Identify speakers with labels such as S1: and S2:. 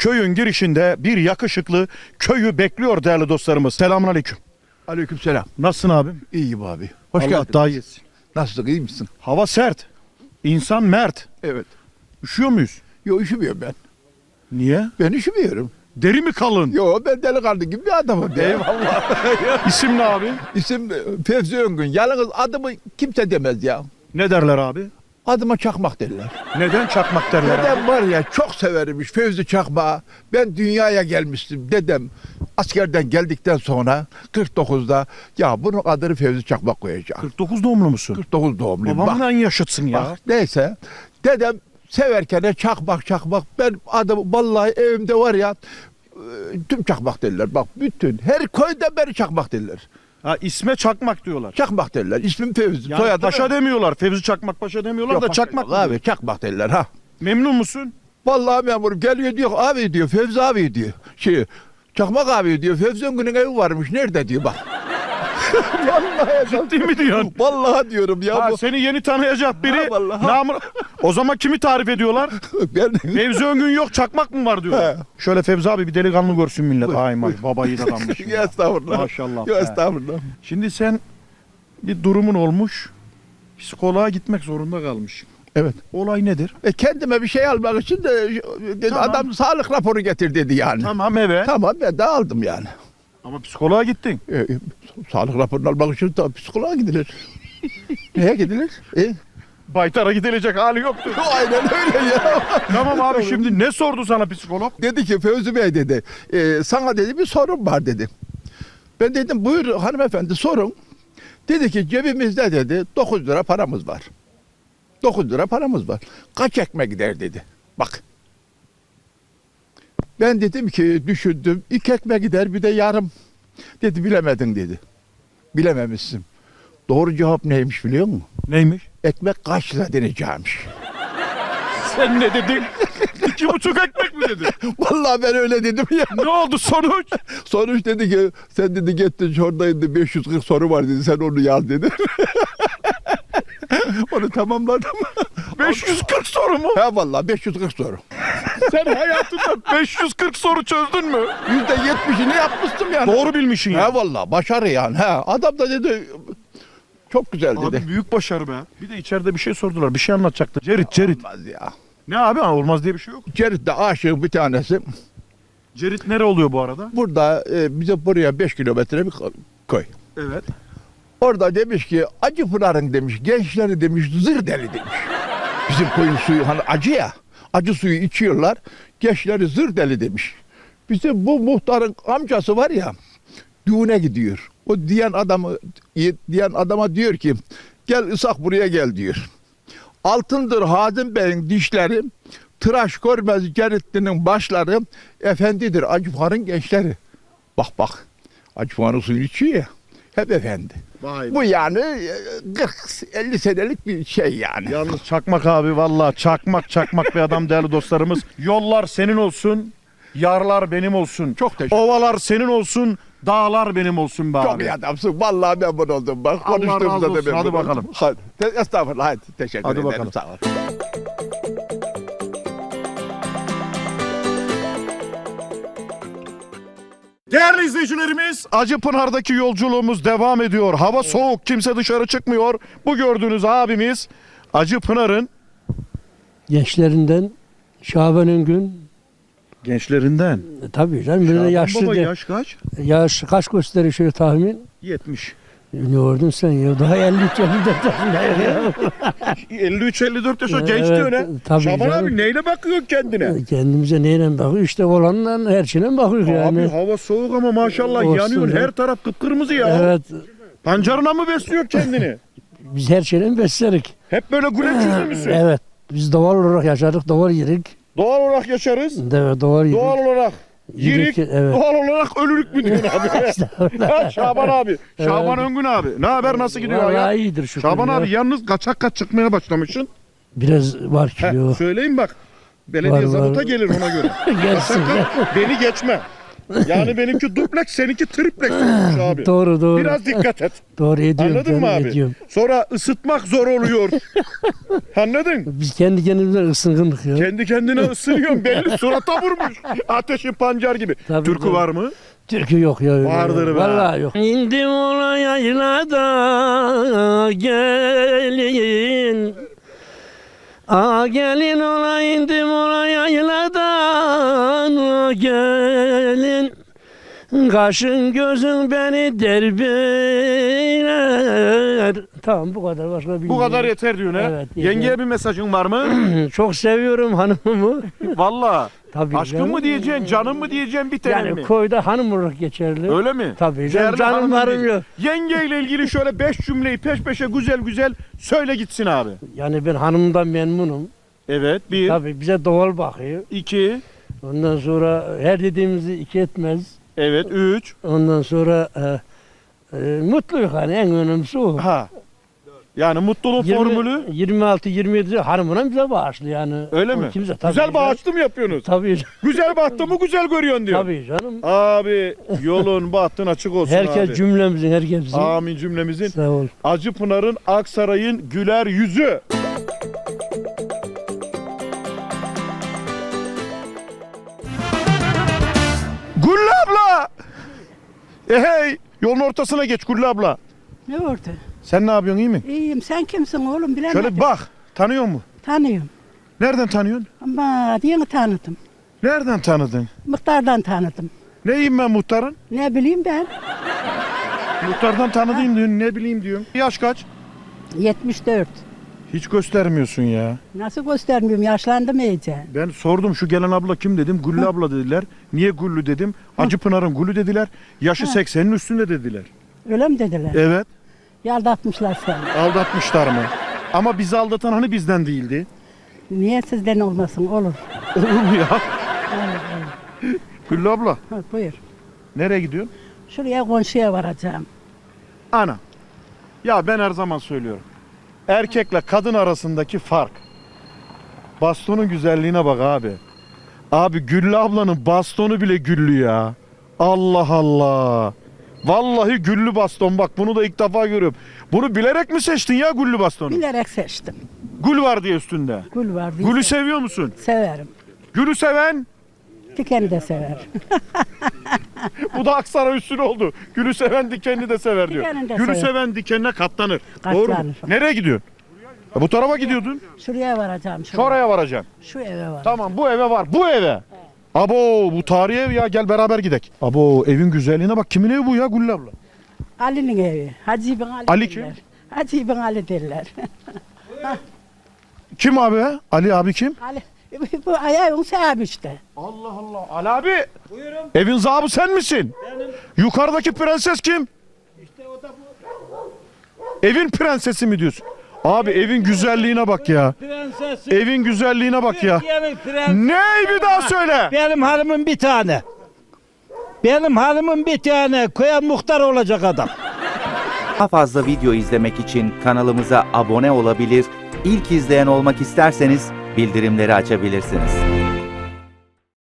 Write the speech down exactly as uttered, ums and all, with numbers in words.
S1: köyün girişinde bir yakışıklı köyü bekliyor değerli dostlarımız. Selamünaleyküm.
S2: Aleykümselam.
S1: Nasılsın abim?
S2: İyiyim abi. Hoş
S1: Allah
S2: geldin.
S1: daha iyisin.
S2: Nasılsın, iyi misin?
S1: Hava sert. İnsan mert.
S2: Evet.
S1: Üşüyor muyuz?
S2: Yo, üşümüyorum ben.
S1: Niye?
S2: Ben üşümüyorum.
S1: Deri mi kalın?
S2: Yo, ben delikanlı gibi bir adamım. ya.
S1: Eyvallah. İsim ne abi?
S2: İsim Fevzi Öngün. Yalnız adımı kimse demez ya.
S1: Ne derler abi?
S2: Adıma Çakmak derler.
S1: Neden çakmak derler abi?
S2: Dedem var ya, çok severimmiş Fevzi Çakmak'ı. Ben dünyaya gelmiştim. Dedem askerden geldikten sonra kırk dokuzda ya bunun adını Fevzi Çakmak koyacak.
S1: kırk dokuz doğumlu musun?
S2: kırk dokuz doğumluyum. Bak,
S1: Babamın en yaşıtsın ya.
S2: bak, neyse. Dedem severken de çakmak çakmak. Ben adım vallahi evimde var ya e, tüm çakmak derler. Bak bütün her köyde beni çakmak derler.
S1: Ha, isme çakmak diyorlar.
S2: Çakmak derler. İsmim Fevzi.
S1: Yani
S2: Soyadım
S1: paşa demiyorlar. Fevzi Çakmak Paşa demiyorlar
S2: Yok,
S1: da
S2: paşa
S1: çakmak
S2: yok
S1: abi.
S2: abi. Çakmak derler ha.
S1: Memnun musun?
S2: Vallahi memurum geliyor diyor abi diyor Fevzi abi diyor. Şey Çakmak abi diyor Fevzi Öngün'ün evi varmış nerede diyor bak. Vallahi
S1: Ciddi mi diyorsun?
S2: Vallahi diyorum ya.
S1: Ha,
S2: bu.
S1: seni yeni tanıyacak biri.
S2: Ha, vallahi.
S1: namı- O zaman kimi tarif ediyorlar?
S2: Ben
S1: Fevzi Öngün yok, çakmak mı var diyorlar.
S2: He.
S1: Şöyle Fevzi abi bir delikanlı görsün millet.
S2: Buyur,
S1: Ay may
S2: buyur.
S1: babayı da adammış.
S2: ya estağfurullah.
S1: Maşallah
S2: Ya
S1: be.
S2: estağfurullah.
S1: Şimdi sen bir durumun olmuş. Psikoloğa gitmek zorunda kalmış.
S2: Evet.
S1: Olay nedir?
S2: E kendime bir şey almak için de dedi,
S1: Tamam.
S2: adam sağlık raporu getir dedi yani.
S1: Tamam evet.
S2: Tamam ben de aldım yani.
S1: Ama psikoloğa gittin.
S2: E, e, sağlık raporunu almak için tabii psikoloğa gidilir. Neye gidilir? E?
S1: Baytar'a gidilecek hali yoktu.
S2: Aynen öyle ya.
S1: Tamam abi, şimdi ne sordu sana psikolog?
S2: Dedi ki Fevzi Bey dedi, e, sana dedi bir sorun var dedi. Ben dedim buyur hanımefendi sorun. Dedi ki cebimizde dedi dokuz lira paramız var. dokuz lira paramız var. Kaç ekmek gider dedi. Bak. Ben dedim ki düşündüm iki ekmek gider bir de yarım. Dedi bilemedin dedi. Bilememişsin. Doğru cevap neymiş biliyor musun?
S1: Neymiş?
S2: Ekmek kaç lira deneyeceğimiş.
S1: Sen ne dedin? İki buçuk ekmek mi dedin?
S2: Vallahi ben öyle dedim ya.
S1: Ne oldu sonuç?
S2: Sonuç dedi ki sen dedi gittin şuradaydı beş yüz kırk soru var dedi sen onu yaz dedi. Onu tamamladım.
S1: beş yüz kırk soru mu?
S2: Ha vallahi beş yüz kırk soru.
S1: Sen hayatında beş yüz kırk soru çözdün mü?
S2: yüzde yetmişini yapmıştım yani.
S1: Doğru bilmişsin ya.
S2: Ha vallahi başarı yani. Ha adam da dedi çok güzel dedi.
S1: Abi büyük başarı be. Bir de içeride bir şey sordular. Bir şey anlatacaktı. Cerit, Cerit.
S2: Olmaz ya.
S1: Ne abi? Olmaz diye bir şey yok.
S2: Cerit'te aşığın bir tanesi.
S1: Cerit nere oluyor bu arada?
S2: Burada e, bize buraya beş kilometre bir köy.
S1: Evet.
S2: Orada demiş ki Acıpınar'ın demiş gençleri demiş zır deli demiş. Bizim koyun suyu hani acı ya. Acı suyu içiyorlar. Gençleri zır deli demiş. Bizim bu muhtarın amcası var ya düğüne gidiyor. O diyen adamı diyen adama diyor ki gel Isak buraya gel diyor. Altındır Hazım Bey'in dişleri, tıraş görmez Ceritli'nin başları, efendidir Acıpınar'ın gençleri. Bak bak Acıpınar'ın suyunu içiyor ya. Hep efendi.
S1: Vay be.
S2: Bu yani e, kırk elli senelik bir şey yani.
S1: Yalnız çakmak abi, vallahi çakmak çakmak bir adam değerli dostlarımız. Yollar senin olsun, yarlar benim olsun.
S2: Çok teşekkür
S1: Ovalar senin olsun, dağlar benim olsun be abi.
S2: Çok iyi adamsın. Vallahi memnun oldum. Bak
S1: Allah razı
S2: konuştuğumuzda da
S1: olsun.
S2: memnun
S1: Hadi
S2: oldum.
S1: bakalım.
S2: Hadi. Te- Estağfurullah. Hadi. Teşekkür
S1: Hadi
S2: ederim.
S1: bakalım.
S2: Sağ ol.
S1: Değerli izleyicilerimiz, Acıpınar'daki yolculuğumuz devam ediyor. Hava soğuk, kimse dışarı çıkmıyor. Bu gördüğünüz abimiz Acıpınar'ın
S3: Gençlerinden Şaban Öngün,
S1: gençlerinden.
S3: e, tabii canım birine yaşlı
S1: Baba
S3: de,
S1: yaş kaç?
S3: yaş kaç gösteriyor şöyle tahmin?
S1: yetmiş.
S3: E, Ne gördün sen ya daha elli üç elli dört yaşında ya.
S1: elli üç elli dört yaşa
S3: Evet,
S1: genç diyor ne?
S3: tabii
S1: Şaban
S3: canım.
S1: abi neyle bakıyorsun kendine?
S3: Kendimize neyle bakıyor işte olanla her şeyle bakıyor yani.
S1: Abi hava soğuk ama maşallah
S3: Olsun
S1: yanıyorsun.
S3: ya.
S1: Her taraf kıpkırmızı ya.
S3: Evet
S1: Pancarına mı besliyor kendini?
S3: biz her şeyle beslerik.
S1: Hep böyle güleç yüzlü müsün?
S3: Evet biz doğal olarak yaşadık doğal yerik.
S1: Doğal olarak yaşarız.
S3: Evet doğal yerik.
S1: Doğal olarak yirik.
S3: Yerik, evet.
S1: Doğal olarak ölürük mü diyorsun abi? Ha, Şaban abi. Şaban Öngün abi. Ne haber, nasıl gidiyor
S3: Vallahi
S1: ya?
S3: iyidir şükür
S1: Şaban
S3: ya.
S1: abi yalnız kaçak kaç çıkmaya başlamışsın.
S3: Biraz var
S1: He,
S3: kilo.
S1: söyleyeyim bak. Belediye
S3: Var,
S1: zabıta
S3: var.
S1: gelir ona göre.
S3: Gelsin.
S1: Kaçak kaç, beni geçme. Yani benimki dupleks, seninki triplex olmuş abi.
S3: Doğru doğru.
S1: Biraz dikkat et.
S3: Doğru ediyorum.
S1: Anladın mı
S3: canım,
S1: abi?
S3: ediyorum.
S1: Sonra ısıtmak zor oluyor. Anladın?
S3: Biz kendi kendimize ısınkındık ya.
S1: Kendi kendine ısınıyorsun, belli surata vurmuş. Ateşi pancar gibi.
S3: Tabii,
S1: Türkü
S3: tabii.
S1: var mı?
S3: Türkü yok ya. Öyle
S1: Vardır
S3: ya.
S1: be.
S3: Vallahi yok. İndim ola yaylada gelin. Aa gelin ola indim ola yayladan gelin. Kaşın gözün beni derbeyler. Tamam bu kadar, başka bilmiyorum.
S1: Bu kadar yeter diyorsun ha?
S3: Evet, yeter.
S1: Yengeye bir mesajın var mı?
S3: Çok seviyorum hanımımı.
S1: Valla.
S3: Tabii
S1: Aşkın
S3: canım.
S1: mı diyeceksin, canım mı diyeceksin, bir tane
S3: Yani
S1: mi?
S3: koyda hanım olarak geçerli.
S1: Öyle mi?
S3: Tabii canım,
S1: Değerli
S3: canım
S1: hanımım
S3: varım
S1: diyeceksin.
S3: yok.
S1: Yengeyle ilgili şöyle beş cümleyi peş peşe güzel güzel söyle gitsin abi.
S3: Yani ben hanımdan memnunum.
S1: Evet, bir,
S3: Tabii bize doğal bakıyor.
S1: iki,
S3: Ondan sonra her dediğimizi iki etmez.
S1: evet, üç.
S3: Ondan sonra e, e, mutluyuz hani, en önemlisi o.
S1: Ha. Yani mutluluk formülü
S3: yirmi altı yirmi yedi hanımına bize bağışlı yani.
S1: öyle
S3: O
S1: mi?
S3: Kimse, tabii
S1: Güzel
S3: canım.
S1: bağışlı mı yapıyorsunuz?
S3: Tabii,
S1: Güzel bahtı mı güzel görüyorsun diyor.
S3: tabii canım.
S1: Abi yolun bahtın açık olsun
S3: Herkes
S1: abi.
S3: cümlemizin, herkesin.
S1: Amin cümlemizin.
S3: Sağ ol.
S1: Acıpınar'ın, Aksaray'ın güler yüzü. Güllü abla! E hey! Yolun ortasına geç Güllü abla.
S4: Ne oldu?
S1: Sen ne yapıyorsun, iyi mi?
S4: İyiyim. Sen kimsin oğlum bilemedim.
S1: Şöyle bak. Tanıyor mu?
S4: Tanıyorum.
S1: Nereden tanıyorsun?
S4: Ama yeni tanıdım.
S1: Nereden tanıdın?
S4: Muhtardan tanıdım.
S1: Neyim ben muhtarın?
S4: Ne bileyim ben.
S1: Muhtardan tanıdığım diyorsun, ne bileyim diyorum. Yaş kaç?
S4: yetmiş dört.
S1: Hiç göstermiyorsun ya.
S4: Nasıl göstermiyorum? Yaşlandım iyice.
S1: Ben sordum şu gelen abla kim dedim. Güllü abla dediler. Niye Güllü dedim. Acıpınar'ın Güllü dediler. Yaşı seksenin üstünde dediler.
S4: Öyle mi dediler?
S1: Evet.
S4: Yaldatmışlar seni.
S1: Aldatmışlar mı? Ama bizi aldatan hani bizden değildi.
S4: Niye sizden olmasın? Olur.
S1: Olur mu ya? Güllü abla
S4: Ha, buyur.
S1: nereye gidiyorsun?
S4: Şuraya komşuya varacağım.
S1: Ana. Ya ben her zaman söylüyorum. Erkekle kadın arasındaki fark. Bastonun güzelliğine bak abi. Abi Güllü ablanın bastonu bile güllü ya. Allah Allah. Vallahi güllü baston, bak bunu da ilk defa görüyorum. Bunu bilerek mi seçtin ya güllü bastonu?
S4: Bilerek seçtim.
S1: Gül var diye üstünde.
S4: Gül var diye.
S1: Gülü seviyor musun?
S4: Severim.
S1: Gülü seven,
S4: Dikeni de sever.
S1: bu da Aksaray üstüne oldu. Gülü seven dikenini de sever diyor.
S4: Dikenini de
S1: Gülü
S4: sever.
S1: seven dikenine katlanır. Doğru mu?
S4: Katlanır.
S1: Nereye gidiyorsun? Ya bu tarafa gidiyordun.
S4: Şuraya varacağım. Şuraya.
S1: Şuraya varacaksın.
S4: Şu eve var.
S1: Tamam, bu eve var. Bu eve. Abo bu tarihi ev ya, gel beraber gidek. Abo evin güzelliğine bak. Kimin evi bu ya Güllü abla?
S4: Ali'nin evi. Hacı İbn Ali,
S1: Ali kim?
S4: derler. Hacı İbn Ali derler.
S1: Kim abi? Ali abi kim?
S4: Ali, bu ayağın sahibi işte.
S1: Allah Allah. Ali abi. Buyurun. Evin zabı sen misin? Benim. Yukarıdaki prenses kim? İşte o da bu. Evin prensesi mi diyorsun? Abi evin güzelliğine bak ya.
S5: Prensesim.
S1: Evin güzelliğine bak ya.
S5: Türkiye'nin prensesi.
S1: Ney bir daha söyle.
S5: Benim hanımım bir tane. Benim hanımım bir tane. Köye muhtar olacak adam.
S6: Daha fazla video izlemek için kanalımıza abone olabilir, ilk izleyen olmak isterseniz bildirimleri açabilirsiniz.